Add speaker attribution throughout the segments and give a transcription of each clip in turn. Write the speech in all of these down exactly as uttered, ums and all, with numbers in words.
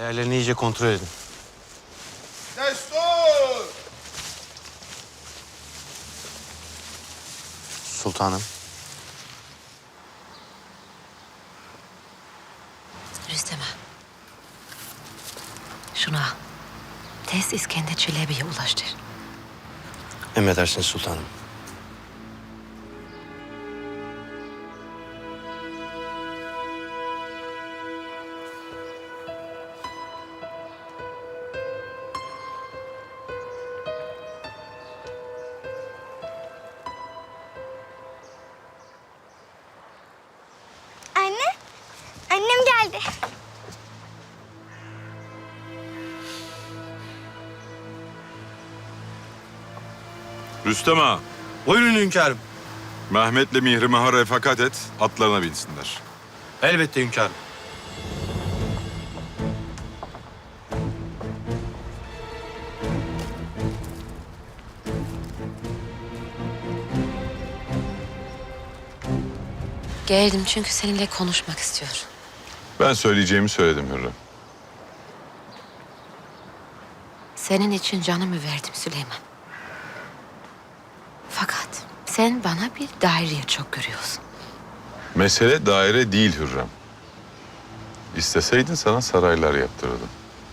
Speaker 1: Değerlerini iyice kontrol edin.
Speaker 2: Destur!
Speaker 1: Sultanım.
Speaker 3: Rüstem ağa. Şunu al. Tez İskender Çelebi'ye ulaştır.
Speaker 1: Emredersiniz sultanım.
Speaker 4: Anne, annem geldi.
Speaker 2: Rüstem ağa,
Speaker 1: Buyurun hünkârım.
Speaker 2: Mehmet'le Mihrimah'a refakat et, atlarına binsinler.
Speaker 1: Elbette hünkârım.
Speaker 3: Geldim çünkü seninle konuşmak istiyorum.
Speaker 2: Ben söyleyeceğimi söyledim Hürrem.
Speaker 3: Senin için canımı verdim Süleyman. Fakat sen bana bir daireye çok görüyorsun.
Speaker 2: Mesele daire değil Hürrem. İsteseydin sana saraylar yaptırırdım.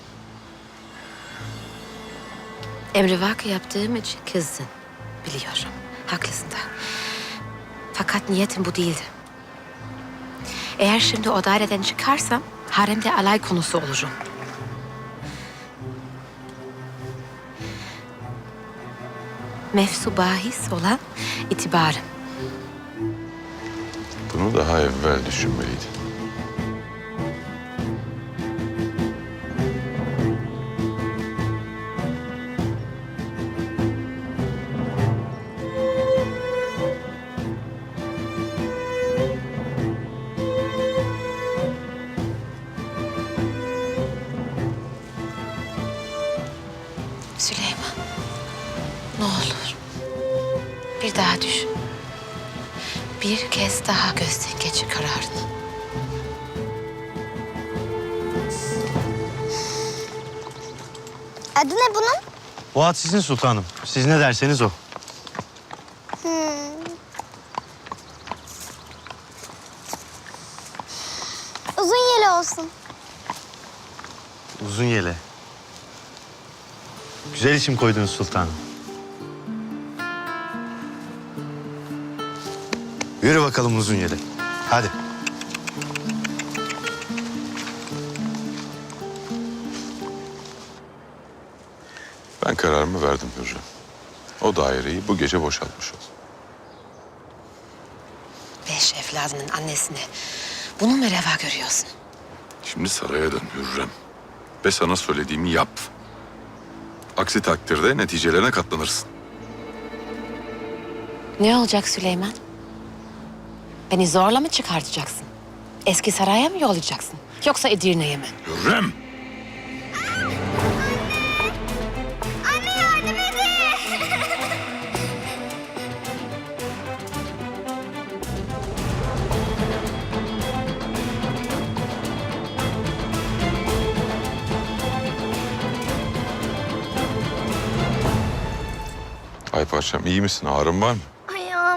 Speaker 3: Emrivaki yaptığım için kızdın. Biliyorum. Haklısın da. Fakat niyetim bu değildi. Eğer şimdi o daireden çıkarsam haremde alay konusu olurum. Mefsu bahis olan itibarım.
Speaker 2: Bunu daha evvel düşünmeliydin.
Speaker 3: Süleyman, ne olur bir daha düşün. Bir kez daha gözden geçir kararını.
Speaker 4: Adı ne bunun?
Speaker 1: Bu at sizin sultanım. Siz ne derseniz o.
Speaker 4: Hmm. Uzun yeli olsun.
Speaker 1: Uzun yele. Güzel isim koydunuz sultanım. Yürü bakalım uzun yele. Hadi.
Speaker 2: Ben kararımı verdim Hürrem. O daireyi bu gece boşaltmış ol.
Speaker 3: Beş evladının annesine bunu mu reva görüyorsun?
Speaker 2: Şimdi saraya dön Hürrem. Ve sana söylediğimi yap. Aksi takdirde neticelerine katlanırsın.
Speaker 3: Ne olacak Süleyman? Beni zorla mı çıkartacaksın? Eski saraya mı yollayacaksın? Yoksa Edirne'ye mi?
Speaker 2: Hürrem!
Speaker 4: Anne yardım edin.
Speaker 2: Ay parçam iyi misin? Ağrın var mı?
Speaker 4: Ayağım.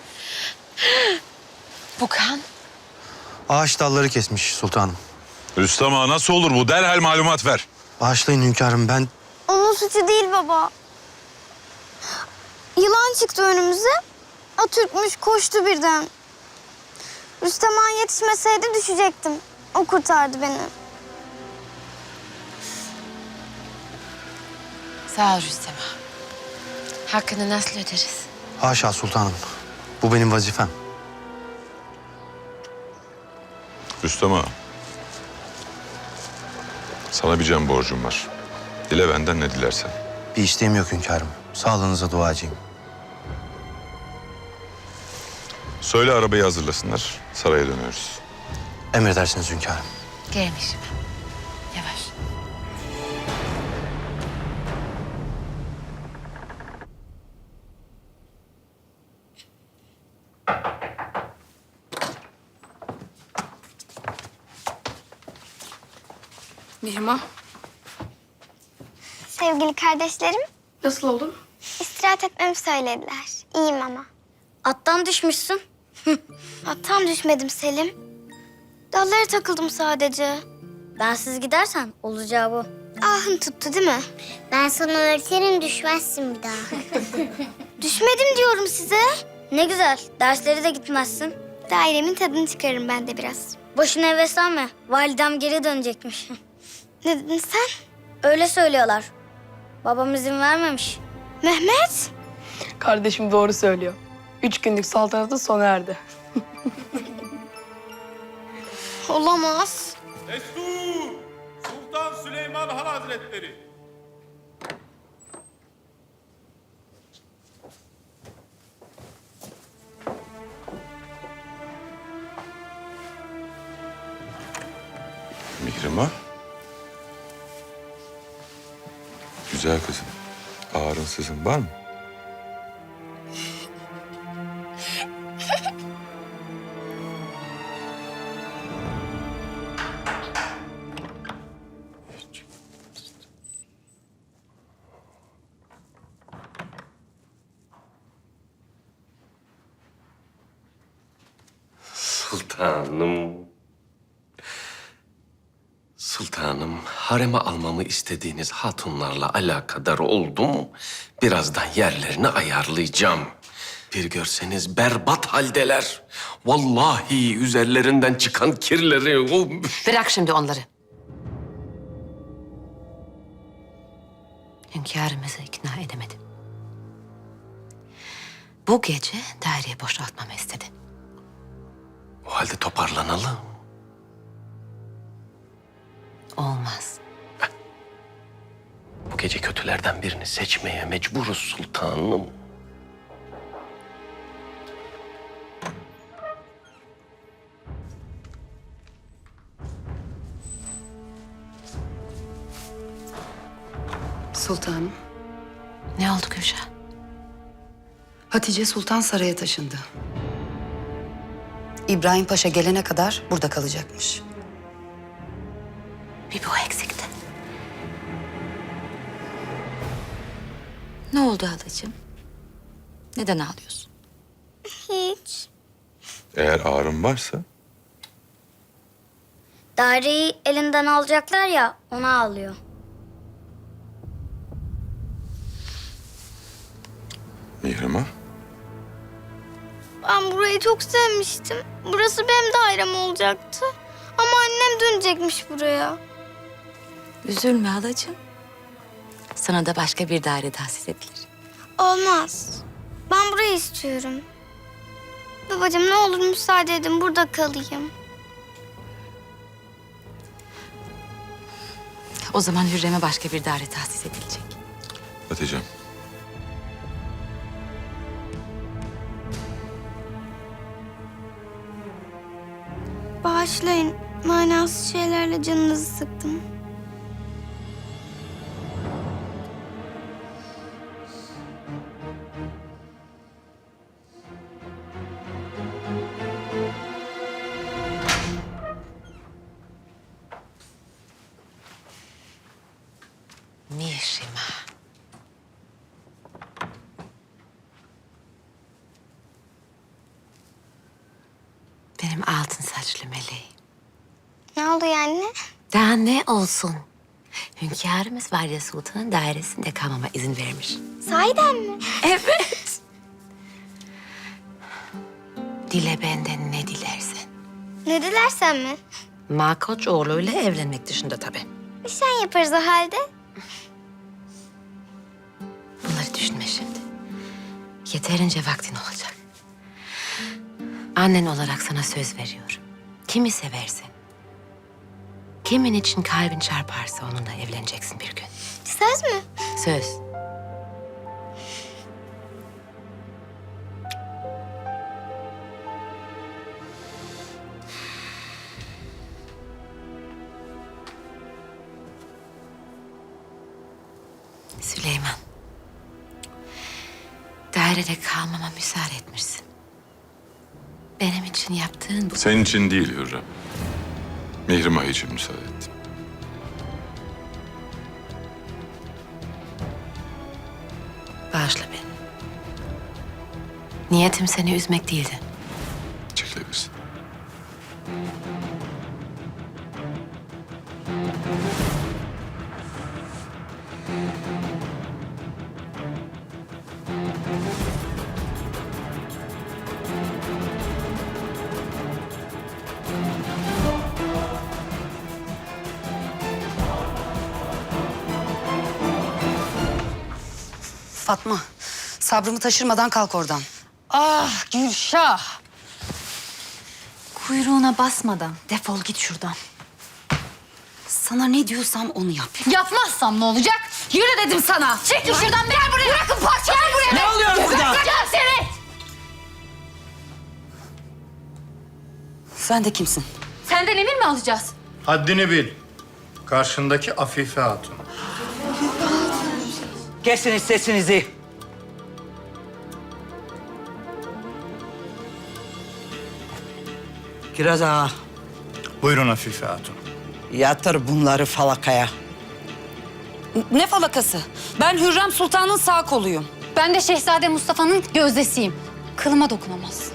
Speaker 3: Bu kan
Speaker 1: Ağaç dalları kesmiş sultanım.
Speaker 2: Rüstem ağa nasıl olur bu? Derhal malumat ver.
Speaker 1: Bağışlayın hünkârım, ben...
Speaker 4: Onun suçu değil baba. Yılan çıktı önümüze. Atürkmüş koştu birden. Rüstem Han yetişmeseydi düşecektim. O kurtardı beni.
Speaker 3: sağ ol Rüstem ağa. Hakkını nasıl öderiz?
Speaker 1: Haşa sultanım. Bu benim vazifem.
Speaker 2: Rüstem ağa. Sana bir can borcum var. Dile benden ne dilersen.
Speaker 1: Bir isteğim yok hünkârım. Sağlığınıza duacıyım.
Speaker 2: Söyle arabayı hazırlasınlar. Saraya dönüyoruz.
Speaker 1: Emredersiniz hünkârım.
Speaker 3: Gelmişim. Yavaş.
Speaker 5: Mihrimah,
Speaker 4: Sevgili kardeşlerim,
Speaker 5: nasıl oldun?
Speaker 4: istirahat etmemi söylediler. İyiyim ama. Attan düşmüşsün. Attan düşmedim Selim. Dallara takıldım sadece.
Speaker 6: Bensiz gidersen olacağı bu.
Speaker 4: Ahın tuttu değil mi?
Speaker 6: Ben sana öğretirim, düşmezsin bir daha.
Speaker 4: Düşmedim diyorum size.
Speaker 6: Ne güzel, dersleri de gitmezsin.
Speaker 4: Dairemin tadını çıkarırım ben de biraz.
Speaker 6: Boşuna heveslenme, validem geri dönecekmiş.
Speaker 4: Ne dedin sen?
Speaker 6: Öyle söylüyorlar. Babam izin vermemiş.
Speaker 4: Mehmet?
Speaker 5: Kardeşim doğru söylüyor. Üç günlük saltanatı sona erdi.
Speaker 4: Olamaz.
Speaker 7: Destur! Sultan Süleyman Han Hazretleri.
Speaker 2: Mihrimah. Güzel kızım. Ağrın sızın var mı?
Speaker 8: Sultanım. Sultanım, hareme almamı istediğiniz hatunlarla alakadar oldum. Birazdan yerlerini ayarlayacağım. Bir görseniz berbat haldeler. Vallahi üzerlerinden çıkan kirleri... O...
Speaker 3: Bırak şimdi onları. Hünkârımızı ikna edemedim. Bu gece daireyi boşaltmamı istedi.
Speaker 8: O halde toparlanalım.
Speaker 3: Olmaz.
Speaker 8: Bu gece kötülerden birini seçmeye mecburuz sultanım.
Speaker 9: Sultanım,
Speaker 3: Ne oldu Gülşah?
Speaker 9: Hatice Sultan saraya taşındı. İbrahim Paşa gelene kadar burada kalacakmış.
Speaker 3: Bir bu eksikti. Ne oldu halacığım? Neden ağlıyorsun?
Speaker 4: Hiç.
Speaker 2: Eğer ağrın varsa
Speaker 6: Daireyi elinden alacaklar ya, ona ağlıyor.
Speaker 2: Mihrimah.
Speaker 4: Ben burayı çok sevmiştim. Burası benim dairem olacaktı. Ama annem dönecekmiş buraya.
Speaker 3: Üzülme halacığım. Sana da başka bir daire tahsis edilir.
Speaker 4: Olmaz. Ben burayı istiyorum. Babacığım ne olur müsaade edin burada kalayım.
Speaker 3: O zaman Hürrem'e başka bir daire tahsis edilecek.
Speaker 2: Hatice'm.
Speaker 4: Bağışlayın. Manasız şeylerle canınızı sıktım.
Speaker 3: Mihrimah. Benim altın saçlı meleğim.
Speaker 4: Ne oldu yani?
Speaker 3: Daha ne olsun? Hünkârımız Valide Sultan'ın dairesinde kalmama izin vermiş.
Speaker 4: Sahiden mi?
Speaker 3: Evet. Dile benden ne dilersen.
Speaker 4: Ne dilersen mi?
Speaker 3: Malkoçoğlu'yla evlenmek dışında tabii.
Speaker 4: Nişan yaparız o halde.
Speaker 3: Bunları düşünme şimdi. Yeterince vaktin olacak. Annen olarak sana söz veriyorum. Kimi seversen, kimin için kalbin çarparsa onunla evleneceksin bir gün.
Speaker 4: Söz mü?
Speaker 3: Söz. Süleyman. Dairede kalmama müsaade etmişsin. Benim için yaptığın bu.
Speaker 2: Senin için değil Hürrem. Mihrimah için müsaade ettim.
Speaker 3: Bağışla beni. Niyetim seni üzmek değildi.
Speaker 2: Çekilebilirsin.
Speaker 9: Fatma, sabrımı taşırmadan kalk oradan.
Speaker 10: Ah Gülşah. Kuyruğuna basmadan defol git şuradan.
Speaker 9: Sana ne diyorsam onu yap.
Speaker 10: Yapmazsam ne olacak? Yürü dedim sana. Çekil şuradan, gel buraya. Bırakın parça. Gel buraya. Ne oluyor burada? Bırakacağım seni.
Speaker 9: Sen de kimsin?
Speaker 10: Senden emir mi alacağız?
Speaker 7: Haddini bil. Karşındaki Afife Hatun.
Speaker 11: Kesiniz sesinizi. Kiraz ağa,
Speaker 7: Buyurun Afife Hatun.
Speaker 11: yatır bunları falakaya.
Speaker 9: Ne falakası? Ben Hürrem Sultan'ın sağ koluyum.
Speaker 10: Ben de Şehzade Mustafa'nın gözdesiyim. Kılıma dokunamaz.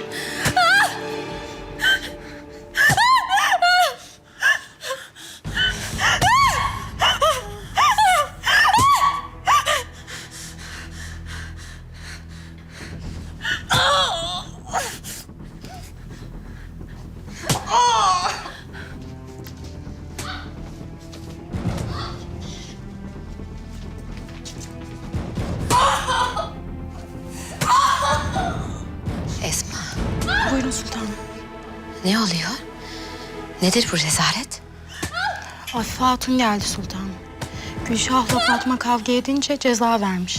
Speaker 3: Esma,
Speaker 5: Buyurun sultanım.
Speaker 3: ne oluyor? Nedir bu rezalet?
Speaker 5: Afife Hatun geldi sultanım. Gülşah'la Fatma kavga edince ceza vermiş.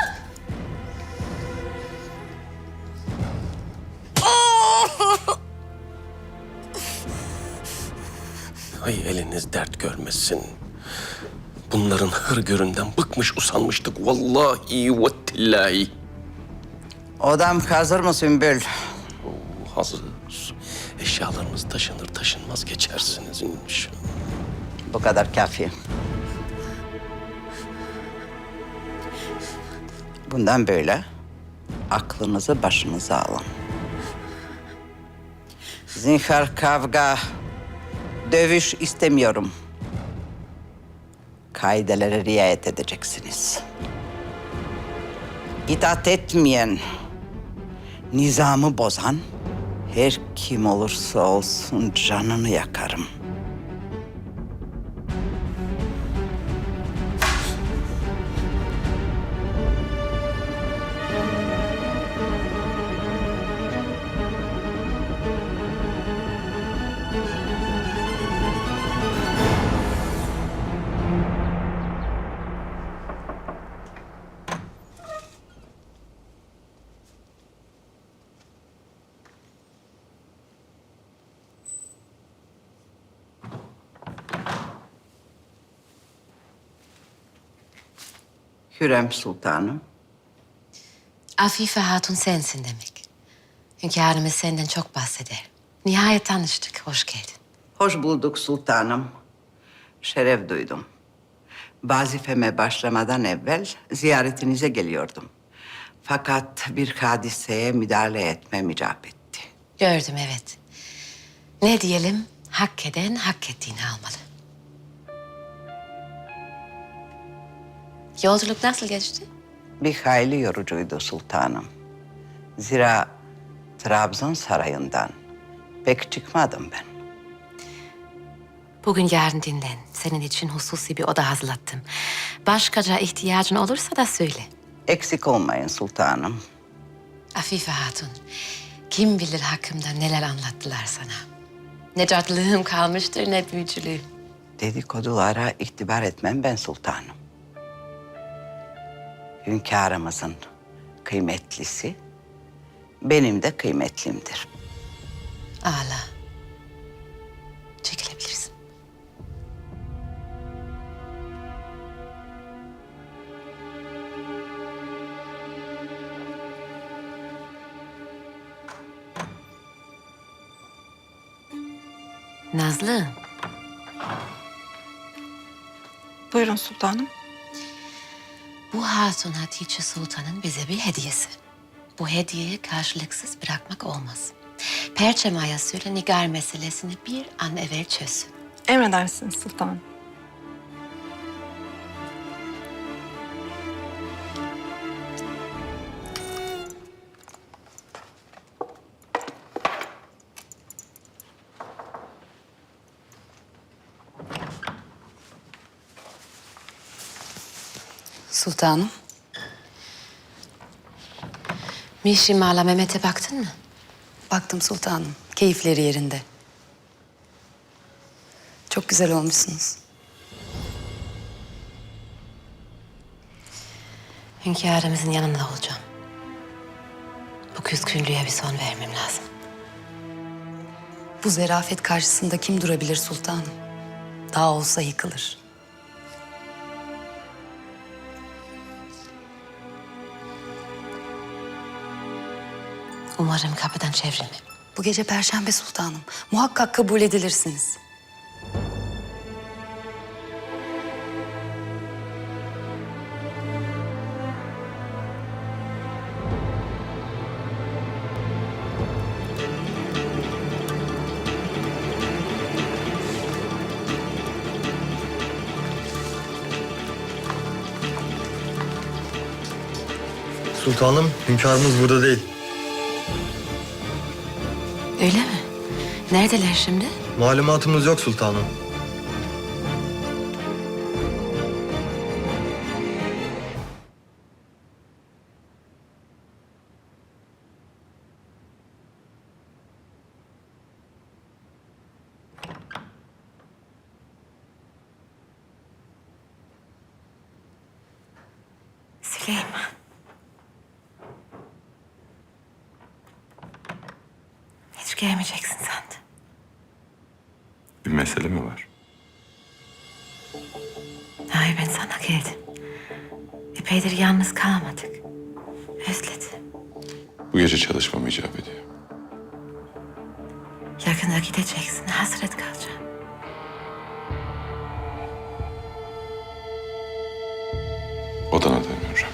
Speaker 8: Ay eliniz dert görmesin. Bunların hırgüründen bıkmış usanmıştık. Vallahi ve tillahi.
Speaker 11: Odam hazır mı Sümbül?
Speaker 8: Hazır. Eşyalarımız taşınır taşınmaz geçersiniz inşallah.
Speaker 11: Bu kadar kafi. Bundan böyle aklınızı başınıza alın. Zinhar kavga, dövüş istemiyorum. Kaidelere riayet edeceksiniz. İtaat etmeyen, nizamı bozan her kim olursa olsun canını yakarım. Hürrem Sultanım.
Speaker 3: Afife Hatun sensin demek. Hünkârımız senden çok bahseder. Nihayet tanıştık, hoş geldin.
Speaker 11: Hoş bulduk sultanım. Şeref duydum. Vazifeme başlamadan evvel ziyaretinize geliyordum. Fakat bir hadiseye müdahale etmem icap etti.
Speaker 3: Gördüm, evet. Ne diyelim, hak eden hak ettiğini almalı. Yolculuk nasıl geçti?
Speaker 11: Bir hayli yorucuydu sultanım. Zira Trabzon sarayından pek çıkmadım ben.
Speaker 3: Bugün yarın dinlen. Senin için hususi bir oda hazırlattım. Başkaca ihtiyacın olursa da söyle.
Speaker 11: Eksik olmayın sultanım.
Speaker 3: Afife Hatun, kim bilir hakkımda neler anlattılar sana. Ne cadılığım kalmıştır ne büyücülüğüm.
Speaker 11: Dedikodulara itibar etmem ben sultanım. Hünkârımızın kıymetlisi benim de kıymetlimdir.
Speaker 3: Ağla. Çekilebilirsin. Nazlı,
Speaker 5: Buyurun sultanım.
Speaker 3: Bu Hatun Hatice Sultan'ın bize bir hediyesi. Bu hediyeyi karşılıksız bırakmak olmaz. Perçem Ağa'ya söyle Nigar meselesini bir an evvel çözsün.
Speaker 5: Emredersiniz sultanım.
Speaker 9: Sultanım.
Speaker 3: Mişima'la Mehmet'e baktın mı?
Speaker 9: Baktım sultanım. Keyifleri yerinde. Çok güzel olmuşsunuz.
Speaker 3: Hünkârımızın yanında olacağım. Bu küskünlüğe bir son vermem lazım.
Speaker 9: Bu zerafet karşısında kim durabilir sultanım? Dağ olsa yıkılır.
Speaker 3: Umarım kapıdan çevrilmem.
Speaker 9: Bu gece Perşembe sultanım. Muhakkak kabul edilirsiniz.
Speaker 1: Sultanım, hünkârımız burada değil.
Speaker 3: Öyle mi? Neredeler şimdi?
Speaker 1: Malumatımız yok sultanım.
Speaker 3: Süleyman. Hiç gelmeyeceksin sandım.
Speaker 2: Bir mesele mi var?
Speaker 3: Hayır, ben sana geldim. Epeydir yalnız kalamadık. Özledim.
Speaker 2: Bu gece çalışmam icap ediyor.
Speaker 3: Yakında gideceksin, hasret kalacağım.
Speaker 2: Odana dönüyorum.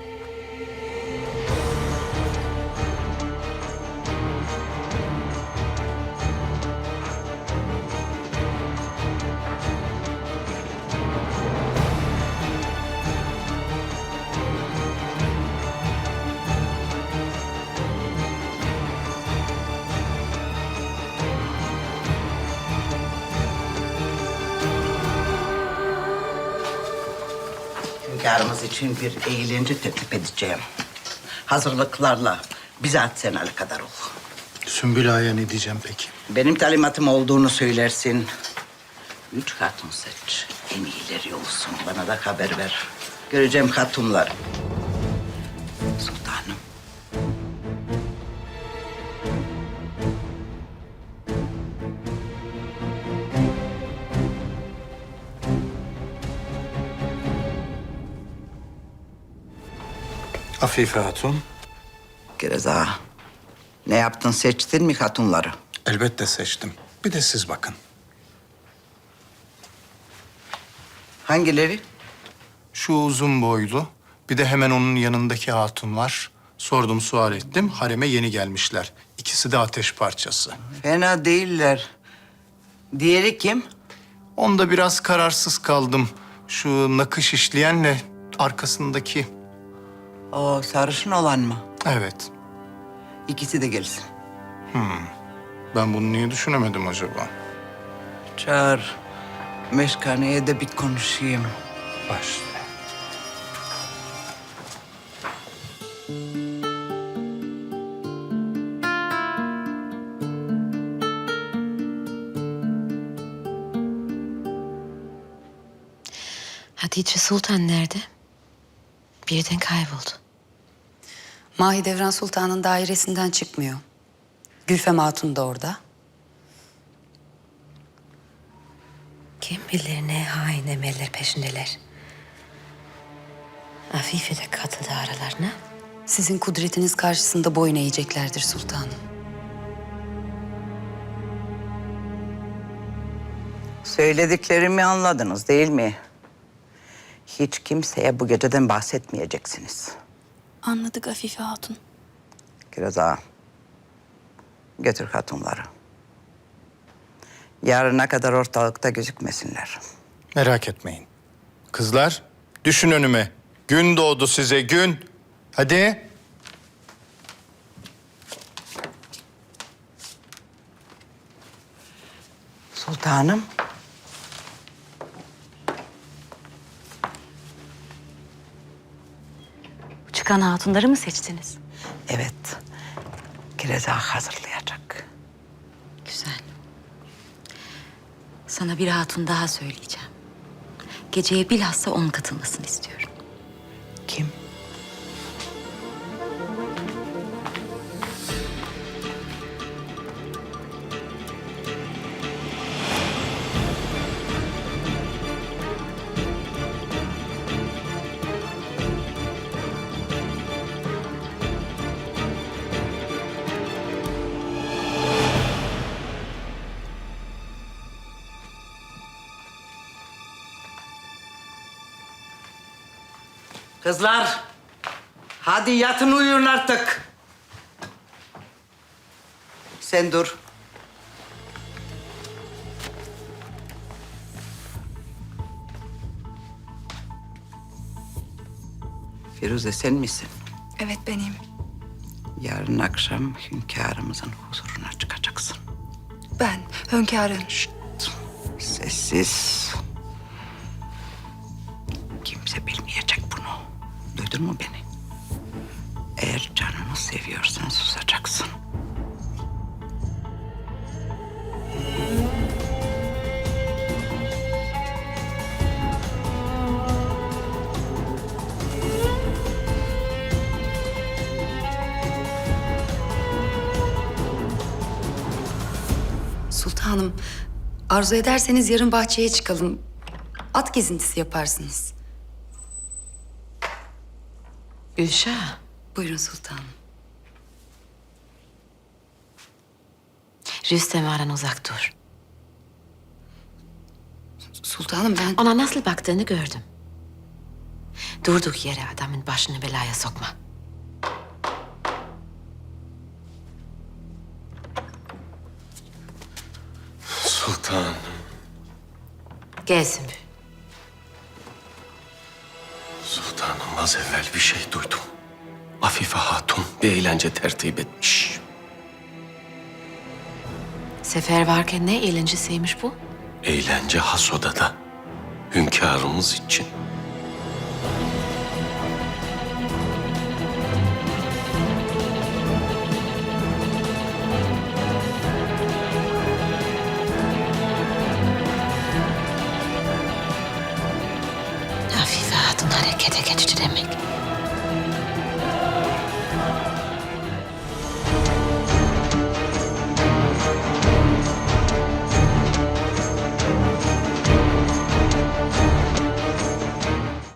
Speaker 11: Hünkârımız için bir eğlence teklif edeceğim. Hazırlıklarla bizzat sen alakadar ol.
Speaker 7: Sümbül Ağa'ya ne diyeceğim peki?
Speaker 11: Benim talimatım olduğunu söylersin. Üç hatun seç. En iyileri olsun. Bana da haber ver. Göreceğim hatunlar. Sultanım.
Speaker 7: Afife Hatun.
Speaker 11: Gereza. Ne yaptın, seçtin mi hatunları?
Speaker 7: Elbette seçtim. Bir de siz bakın.
Speaker 11: Hangileri?
Speaker 7: Şu uzun boylu, bir de hemen onun yanındaki hatun var. Sordum, sual ettim. Hareme yeni gelmişler. İkisi de ateş parçası.
Speaker 11: Fena değiller. Diğeri kim?
Speaker 7: Onda biraz kararsız kaldım. Şu nakış işleyenle arkasındaki.
Speaker 11: O sarışın olan mı?
Speaker 7: Evet.
Speaker 11: İkisi de gelsin.
Speaker 7: Ben bunu niye düşünemedim acaba?
Speaker 11: Çağır. Meşkaneye de bir konuşayım.
Speaker 7: Başla.
Speaker 3: Hatice Sultan nerede? Birden kayboldu.
Speaker 9: Mahidevran Sultan'ın dairesinden çıkmıyor. Gülfem Hatun da orada.
Speaker 3: Kim bilir ne hain emeller peşindeler. Afife de katıldı aralarına.
Speaker 9: Sizin kudretiniz karşısında boyun eğeceklerdir sultanım.
Speaker 11: Söylediklerimi anladınız değil mi? hiç kimseye bu geceden bahsetmeyeceksiniz.
Speaker 5: Anladık Afife Hatun.
Speaker 11: Kiraz ağa, götür hatunları. Yarına kadar ortalıkta gözükmesinler.
Speaker 7: Merak etmeyin. Kızlar, düşün önüme. Gün doğdu size, gün. Hadi.
Speaker 11: Sultanım.
Speaker 9: Çıkan hatunları mı seçtiniz?
Speaker 11: Evet, Kiraz ağa hazırlayacak.
Speaker 9: Güzel. Sana bir hatun daha söyleyeceğim. Geceye bilhassa onun katılmasını istiyorum.
Speaker 11: Kim? Kızlar, hadi yatın uyuyun artık. Sen dur. Firuze sen misin?
Speaker 5: Evet benim.
Speaker 11: Yarın akşam hünkârımızın huzuruna çıkacaksın.
Speaker 5: Ben hünkârım.
Speaker 11: Sessiz. Kimse bilmeyecek bunu. Duydun mu beni? Eğer canını seviyorsan susacaksın.
Speaker 9: Sultanım, arzu ederseniz yarın bahçeye çıkalım. At gezintisi yaparsınız.
Speaker 3: Gülşah,
Speaker 9: Buyurun sultanım.
Speaker 3: Rüstem Ağa'dan uzak dur.
Speaker 9: Sultanım ben...
Speaker 3: Ona nasıl baktığını gördüm. Durduk yere adamın başını belaya sokma.
Speaker 8: Sultanım.
Speaker 3: Gelsin bir.
Speaker 8: Sultanım az evvel bir şey duydum. Afife Hatun bir eğlence tertip etmiş.
Speaker 3: Sefer varken ne eğlencesiymiş bu?
Speaker 8: Eğlence has odada. Hünkârımız için.
Speaker 3: Afife Hatun harekete geçti demek.